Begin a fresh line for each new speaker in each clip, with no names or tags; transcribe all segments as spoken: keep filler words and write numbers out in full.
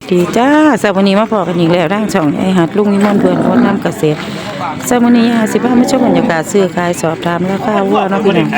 ดีจ้าสวัสดีมาพอกันอีกแล้วร่างช่องไอหัดลุงวิมลเพื่อนคนทำเกษตรสวัสดีห้าสิบห้าไม่ชอบบรรยากาศซื้อขายสอบถามราคาวัวเนาะพี่น้อง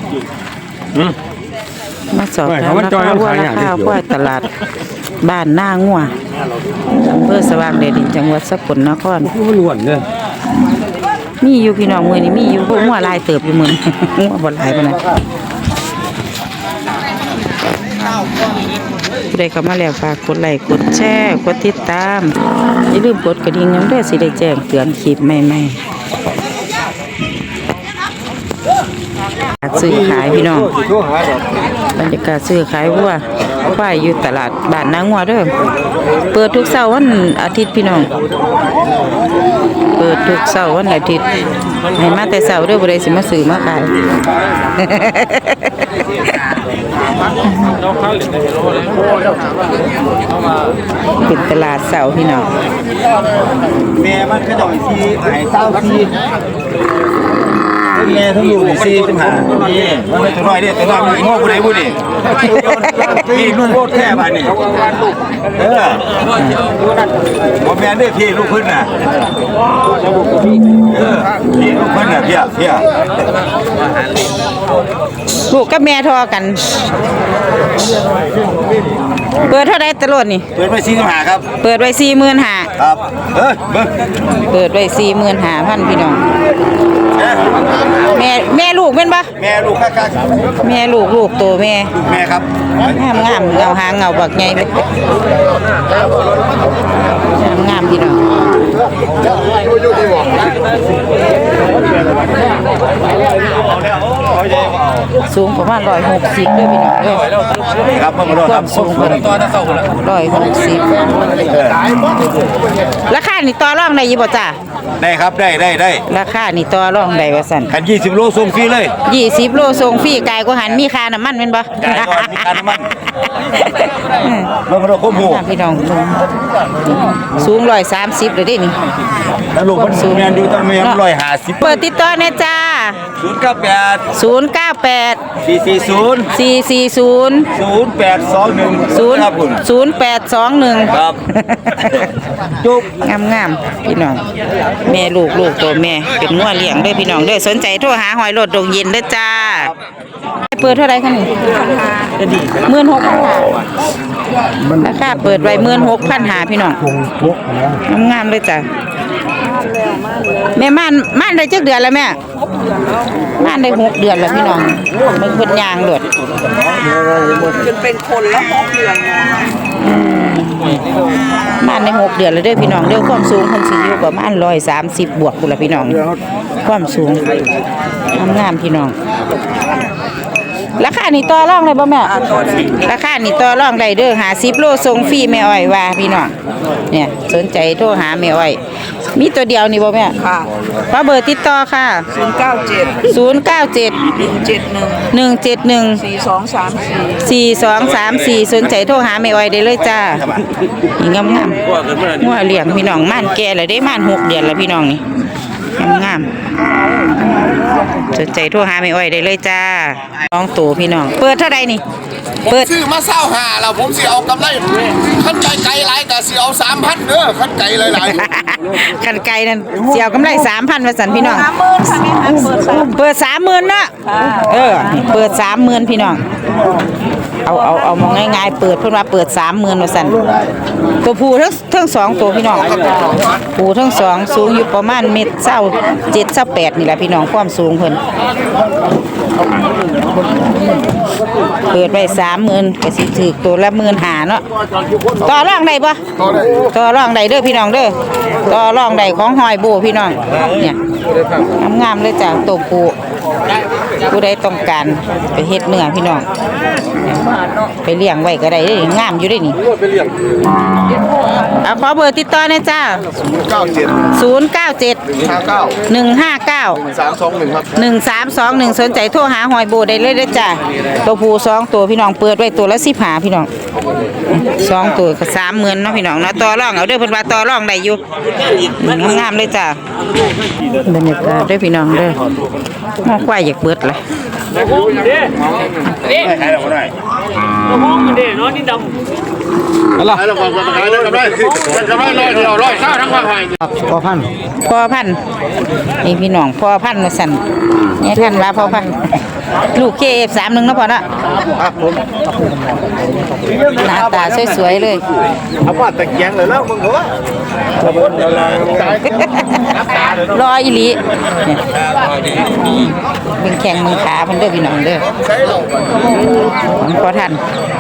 มาสอบถามราคาวัวราคาวัวตลาดบ้านหน้างัวอำเภอสว่างแดนดินจังหวัดสกลนครมีอยู่พี่น้องมือนี่มีอยู่พวกงัวลายเติบอยู่มืองัวบ่หลายปานนั้นผู้ใดเข้ามาแล้วฝากกดไลค์กดแชร์กดติดตามอย่าลืมกดกระดิ่งน้ำเด้อสิได้แจ้งเตือนคลิปใหม่ๆซื้อขายพี่น้องบรรยากาศซื้อขายวัวควายอยู่ตลาดบ้านนางงัวเด้อเปิดทุกเสาร์วันอาทิตย์พี่น้องเปิดทุกเสาร์วันอาทิตย์ให้มาแต่เสาร์เด้อบ่ได้สิมาซื้อมาขายเป็นตลาดเสาร์พี่น้อง
แม่มันก็ดอกซีหายเศร้าซีแม่ทั้งอยู่ซีจังหานี่มันไม่ตัวน้อยเนี่ยตัวน้อยมันโง่กูได้บุนี่พี่ลูกโคตรแค่บ้านนี่เออผมแม่เนี่ยพี่ลูกพื้นน่ะเออพี่ลูกพื้นน่ะพี่อ่ะพี่อ่ะ
ลูกกับแม่ทอกันเปิดเท่าไรตลอดนี่
เปิดไว้สี่สิบห้าครับ
เปิดไว้สี่หมื่นห้า
ครับเฮ้ย
เปิดไว้สี่หมื่นห้าพันพี่น้องแม่แม่ลูกเป็นปะ
แม่ลูกคัก
แม่ลูกลูกโตแม่
แม่ครับ
งามงามเงาหางเงาบักใหญ่เลยงามพี่น้องสูงประมาณร้อยหกสิบด้วยพี่น้องด้วย
ครับ
ความสูงร้อยหกสิบราคานี่ต่อรองได้ยี่บ่จ้า
ได้ครับได้ได้ได้
ราคานี่ต่อรองได้ว่าสั่น
คันยี่สิบโลส่งฟรีเลย
ยี่สิบโลส่งฟรีไก่ก็หันมีค่าน้ำมันเป็นบ่
ไก่ก็มีค่าน้ำมันเมื่อเราคุ้มหู
พี่น้องสูงร้อยสามสิบเลยดินี่
แล้วลูกมันสูงแมนดูตั้งแมนร้อยห้าสิบ
เปิดติดต่อเนี่ยจ้า
ศูนย์เก้าแปด
ศูนย์เก้าแปด
สี่สี่ศูนย์
สี่สี่ศูนย์
ศูนย์แปดสองหนึ่ง
ศูนย์ศูนย์แปดสองหนึ่ง
ครับ
จุกงามงามพี่น้องแม่ลูกลูกตัวแม่เป็นงัวเลี้ยงด้วยพี่น้องด้วยสนใจโทรหาหอยรถดงเย็นด้วยจ้าเปิดเท่าไรคะนี่หมื่นหกพันหาราคาเปิดไว้หมื่นหกพันหาพี่น้องงามงามเลยจ้าแม่ม่านม่านได้จักเดือนแล้วแม่ม่านได้หกเดือนแล้วพี่น้องมันคนยางหลด
จนเป็นคนแล้วหกเดือน
ม่านได้หกเดือนแล้วเด้อพี่น้องเด้อความสูงคนสิอยู่ประมาณร้อยสามสิบบวกกูละพี่น้องความสูงงามพี่น้องราคานี่ต่อรองได้บ่แม่ราคานี่ต่อรองได้เด้อหาสิบโลส่งฟรีแม่อ้อยว่าพี่น้องเนี่ยสนใจโทรหาแม่อ้อยมีตัวเดียวนี่บ่แม่
ค่ะ
ขอเบอร์ติดต่อค่ะ
ศูนย์เก้าเจ็ด
ศูนย์เก้าเจ็ด
หนึ่งเจ็ดหนึ่ง
หนึ่งเจ็ดหนึ่ง
สี่สองสามสี่
สี่สองสามสี่สนใจโทรหาแม่อ้อยได้เลยจ้านี่งามงามหัวเลี้ยงพี่น้องม่านแก่แล้วได้ม่านหกเดือนแล้วพี่น้องนี่งามงามสนใจโทรหาแม่อ้อยได้เลยจ้าน้องตู่พี่น้องเปิดเท่าไรนี่
เปิดซื้อมาเศร้าหาแล้วผมสิเอากำไรขั้นไก่ไก่หลายแต่สิเอาสามพันเด้อขั้นไก่หลาย
ๆขั้นไก่นั่นเสียวกำไรสามพันมาสั่นพี่น้อง
สามหมื่นค่ะแม่คะเปิดสาม
เปิดสามหมื่นเนาะเออเปิดสามหมื่นพี่น้องเอาเอาเอามองง่ายๆเปิดเพิ่นว่าเปิดสามหมื่นมาสั่นตัวผู้ทั้งทั้งสองตัวพี่น้องผู้ทั้งสองสูงอยู่ประมาณเมตรเศร้าเจ็ดเศร้าแปดนี่แหละพี่น้องความสูงเพิ่นเปิดไปสามหมื่นก็สิถือตัวละหมื่นหาเนาะต่อรองได้ปะต่อรองได้เด้อพี่น้องเด้อต่อรองได้ของหอยโบพี่น้องเนี่ยงามๆเลยจ้ะตัวผู้ผู้ใดต้องการไปเฮ็ดเนื้อพี่น้องไปเลี้ยงไว้ก็ได้งามอยู่ได้นี่เอาขอเบอร์ติดต่อหน่อยจ้าศูนย์เก้าเจ็ด หนึ่งห้าเก้า หนึ่งสามสองหนึ่งสนใจโทรหาหอยโบได้เลยเด้อจ้าตัวผู้สองตัวพี่น้องเปิดไว้ตัวละสิบห้าพี่น้องสองตัวก็สามหมื่นเนาะพี่น้องเนาะต่อรองเอาเด้อเพิ่นว่าต่อรองได้อยู่งามๆเลยจ้าบรรยากาศด้วยพี่น้องเด้อมองควายอยากเบิดเลย
เด้เด้เด้ห้องเด้เนาะนี่ดำ
อะไรเราบอกว่าขายได้กำไรกำไรร้อยเดียวร้อยเศร้าทั้งวันไทย
พอพัน
พ่อพันธุ์นี่พี่น้องพ่อพันธุ์มาสั่นนี่ท่านว่าพ่อพันธุ์ลูกเคเอฟสามหนึ่งเนาะพ่อเนาะ
ครับผม
หน้าตาสวยๆเลย
เอาว่าตะเกียงเลยแล้วมึงเหรอ
รออีหลีเนี่ยเป็นแข่งมือขาเพิ่นเด้อพี่น้องเด้อของพ่อท่าน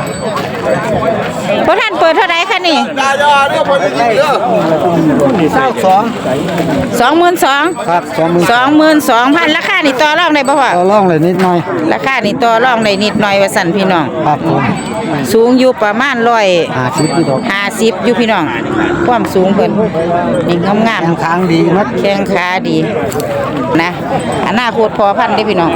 พ่อท่านเปิดเท่าไหร่คะนี่
ยายาเนี่ยพอได้ยินเด้อ
เศร้าสอง
สองหมื่นสอง
ครับสองหมื่น
สองหมื่นสองพันราคานี่ต่อรองได้บ่พ่อ
เอาล่องเลยนิดหน่อย
ราคานี่ต่อรองได้นิดหน่อยว่าสั่นพี่น้อง
ครับผม
สูงอยู่ประมาณร้อย
หาชิปพี่ดอก
ห้าสิบอยู่พี่น้อง ความสูงเพิ่นนี่งาม
ทางทางดีมัด
ๆแข้งขาดีนะอนาคตพอพันธุ์เด้อพี่น้อง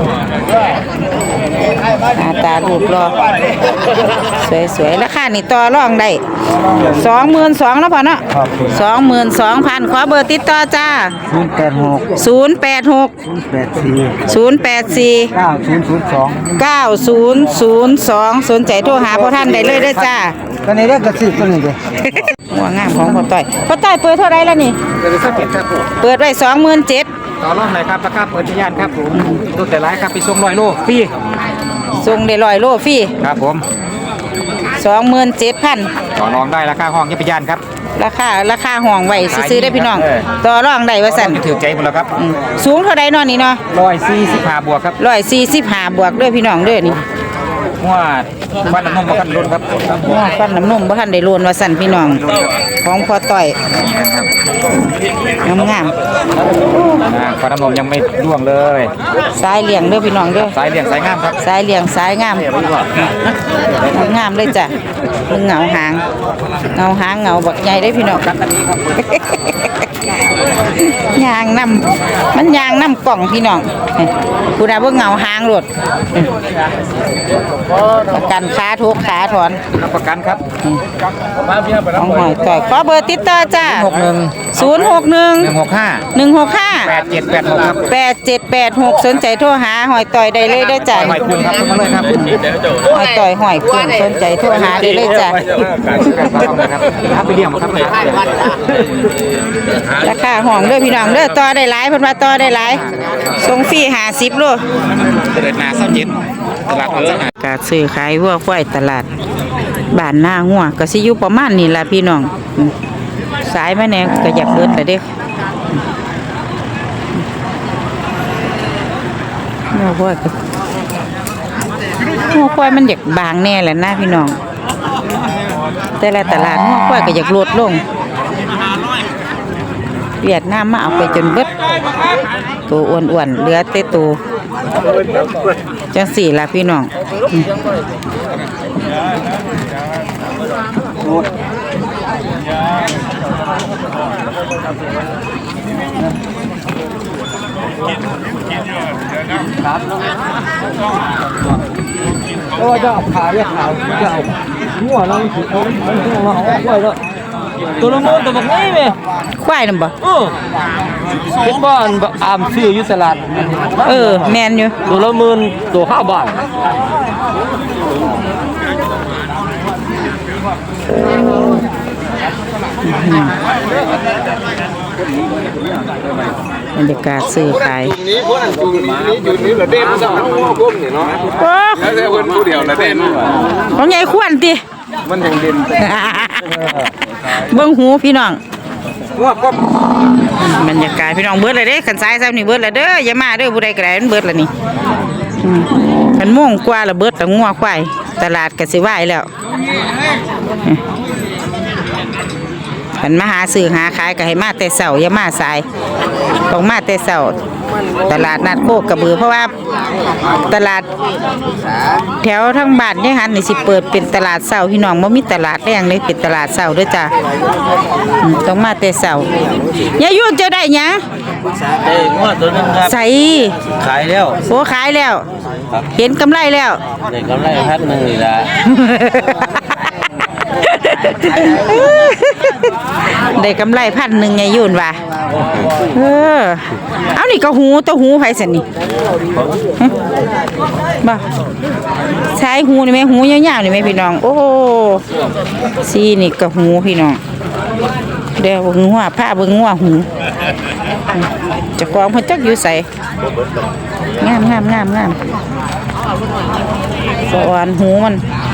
หน้าตารูปรอสวยๆราคานี่ต่อรองได้สองหมื่นสองแล้วพอเนาะ
ครับ
สองหมื่นสองพันขอเบอร์ติดต่อจ้า
ศูนย์แปดหก
ศูนย์แปดหก
ศูนย์แปดสี่
ศูนย์แปดสี่
เก้าศูนย์ศูนย์สอง
เก้าศูนย์ศูนย์สองสนใจโทรหาพ่อท่านได้เลยเด้อจ้า
ตอนนี้เรียกกระสิบตัวนี้เลย
หัวงามของพ่อต้อยพ่อต้อยเปิดเท่าไรแล้วนี่
เดี๋ยวสักเก็บครับผม
เปิดไว้สองหมื่นเจ็ด
ต่อรอบไหนครับราคาเปิดทะยานครับผมตัวแต่ร้ายครับไปส่งร้อยโลฟรี
ส่งได้ร้อยโลฟรี
ครับผม
สองหมื่นเจ็ดพัน
ต่อรองได้ราคาห้องยี่ปยานครับ
ราคาราคาห้องไว้ซื้อๆได้พี่น้อง ต่อรองได้ว่าสั่น
จะถือใจหมดแล้วครับ
อืมสูงเท่าไรนอนนี่เนาะ
ร้อยสี่สิบห้าบวกครับ
ร้อยสี่สิบห้าบวกเด้อพี่น้องเด้อนี่
หัวบ้านน้ำนมมากันรุนครับ
ว่าฟันน้ำนมบ่ทันได้โลนว่าสั่นพี่น้อง ของพ่อต้อยงามงาม
อ่าฟันน้ำนมยังไม่ร่วงเลย
ๆสายเลี้ยงเด้อพี่น้องเด้อ
สายเลี่ยงสายงามครับ
สายเลี้ยงสายงามงามเลยจ้ะเบิ่งเหงาหางเงาหางเงาบักใหญ่ได้อพี่น้อง ยางนำมันยางนำกล่องพี่น้องผู้ใดบ่เหงาหางโลดประกันขาทุกขาถอน
รับประกันครับ
ของหอยต่อยขอเบอร์ติดต่อจ้า
หกหนึ่ง
ศูนย์หกหนึ่ง
หนึ่งหกห้า
หนึ่งหกห้า
แปดเจ็ดแปดหกครับ
แปดเจ็ดแปดหกสนใจโทรหาหอยต่อยได้เลยเด้อจ้า
หอยคุณครับมาเลยครับ
หอยต่อยหอยคุณสนใจโทรหาได้เลยจ้า
ครับไปเลี้ยงมาครับเลย
ราคาห้องเด้อพี่น้องเด้อต่อได้หลายเพิ่นว่าต่อได้หลายส่งฟรีห้าสิบโล
เดินนาเศร้าเจ็ดตลาดเออ
การซื้อขายวัวควายตลาดบ้านหน้าหัวก็สิอยู่ประมาณนี้ล่ะพี่น้องอืมสายมาแหน่ก็อยากเบิดแล้วเด้หัวควายก็หัวควายมันอยากบางแน่แหละนะพี่น้อง แต่ละตลาดหัวควายก็อยากลดลงเวียดนามมาเอาไปจนเบิดตัวอ้วนๆเหลือแต่ตัวจังสี่ล่ะพี่น้องอืม
โอ้จะเอาขาเรียกขาจะเอาหัวเราถือเอาหัวเราเอาไว้แล้วตัวละโมตัวบักนี่แม่
ควายนำบ่
เออเป็นบ้านอามซื้ออยู่ตลาด
เออแม่นอยู่
ตัวละหมื่นตัวห้าบาท
บรรยากาศซื้อขาย
นี้พวกนั้นอยู่นี้อยู่นี้ละเด่นซะก้มนี่เนาะ
โอ้
แล้วแต่เพิ่นผู้เดียวละเด่น
ของใหญ่ควรติ
มันยังเด่น
เบิ่งหูพี่น้อง
ว่าก็
บรรยากาศพี่น้องเบิดเลยเด้คันซ้ายซ้ำนี่เบิดแล้วเด้ออย่ามาเด้อผู้ใดก็ได้มันเบิดแล้วนี่อืมมันโมงกว่าแล้วเบิดแล้วงัวควายตลาดก็สิวายแล้วคันมาหาซื้อหาขายก็ให้มาแต่เช้าอย่ามาสายต้องมาแต่เช้าตลาดนัดโคกกระบือเพราะว่าตลาดแถวทั้งบ้านเนี่ยหันนี่สิเปิดเป็นตลาดเช้าพี่น้องบ่มีตลาดแรงเลยเป็นตลาดเช้าเด้อจ้ะอืมต้องมาแต่เช้ายายยุ่นเจ้าได้หยัง
ได้งวดตัวนึงครับ
ใส่
ขายแล้ว
โอ้ขายแล้ว เห็นกำไรแล้ว
ได้กำไรพันหนึ่งนี่ละ
ได้กำไรพันหนึ่งไงยุ่นว่ะเออเอานี่ก็หูตัวหูไผสันนี่ฮะบ่ใช้หูนี่ไหมหูยาวๆนี่ไหมพี่น้องโอ้ซีนี่ก็หูพี่น้องเดี๋ยวเบิ่งหัวผ้าเบิ่งหัวหูเจะกองเพิ่นจักอยู่ใส่งามงามงามงามสะอ่อนหูมัน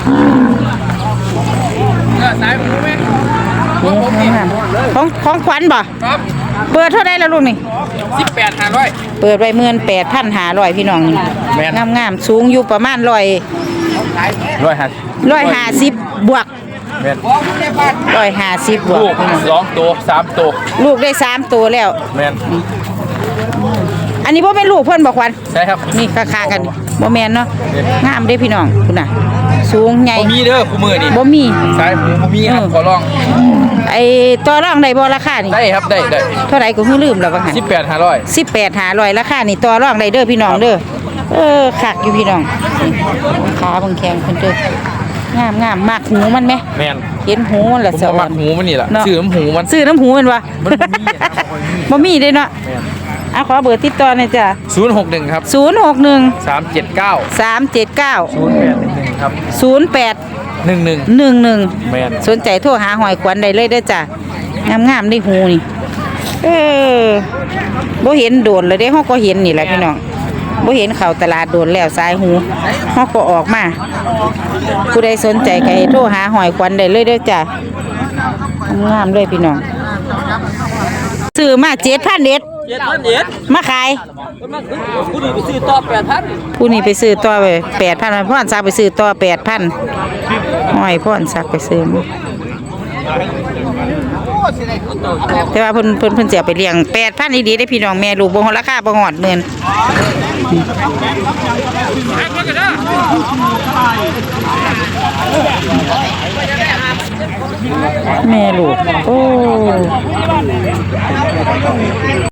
หูงามของของขวัญบ่เปิดเท่าไรแล้วลูกนี่
สิบแปดห้าร้อย
เปิดไว้หมื่นแปดพันห้าร้อยพี่น้องนี่งามงามสูงอยู่ประมาณร้อย
ร้อยห้า
ร้อยห้าสิบบวก
แม่น
ร้อยห้าสิบบวก
ลูกสองตัวสามตัว
ลูกได้สามตัวแล้ว
แม่น
อันนี้บ่เป็นลูกเพิ่นบอกควัน
ใช่ครับ
นี่คาๆกันบ่แม่นเนาะงามเด้พี่น้องคุณน่ะ สูงใหญ่
บ่มีเด้อคู่มือนี่
บ่มี
สายหูบ่มีครับขอลอง
ไอ้ตัวรองได้บ่ราคานี่
ได้ครับได้ได้
เท่าไหร่ก็คือลืมแล้วว่าหั่น
สิบแปดห้าร้อย
สิบแปดห้าร้อยราคานี่ตัวรองได้เด้อพี่น้องเด้อเออคักอยู่พี่น้องขาเบิ่งแข็งเพิ่นเด้องามงามมักหูมันไหม
แม่น
เห็นหูมัน
ผ
ละ
ม
สะ
บ่
อ่
มั
อก น
หูมันนี่ล่ะ
เนาะ
ซื้อน้ำหูมัน
ซื้อน้ำหูมันวะ
มันบ่มีอะ
บ่มีเด้เนาะอ่ะขอเบอร์ติดต่อหน่อยจ้ะ
ศูนย์หกหนึ่งครับ
ศูนย์หกหนึ่ง
สามเจ็ดเก้า
สามเจ็ดเก้า
ศูนย์แปดหนึ่งหนึ่งครับ
ศูนย์แปด
หนึ่งหนึ่ง
หนึ่งหนึ่ง
แม่น
สนใจโทรหาหอยขวัญได้เลยเด้อจ้ะงามๆได้หูนี่เออบ่เห็นโดนเลยเด้เฮาก็เห็นนี่แหละพี่น้องบ่เห็นเข้าตลาดโดนแล้วสายหูเฮาก็ออกมาผู้ใดสนใจก็ให้โทรหาหอยขวัญได้เลยเด้อจ้ะงามๆเลยพี่น้องซื้อมาเจ็ดพันเอ็ด
เจ็ดพันเอ็ด
มาขาย
ผู้นี้ไปซื้อต่อแปดพัน
ผู้นี้ไปซื้อต่อไปแปดพันพ่อนซักไปซื้อต่อแปดพันหอยพ่อนซักไปซื้อมาแต่ว่าเพิ่นเพิ่นเพิ่นเสียไปเลี้ยงแปดพันดีๆได้พี่น้องแม่ลูกบ่ฮอดราคาบ่ฮอดหมื่นแม่ลูกโอ้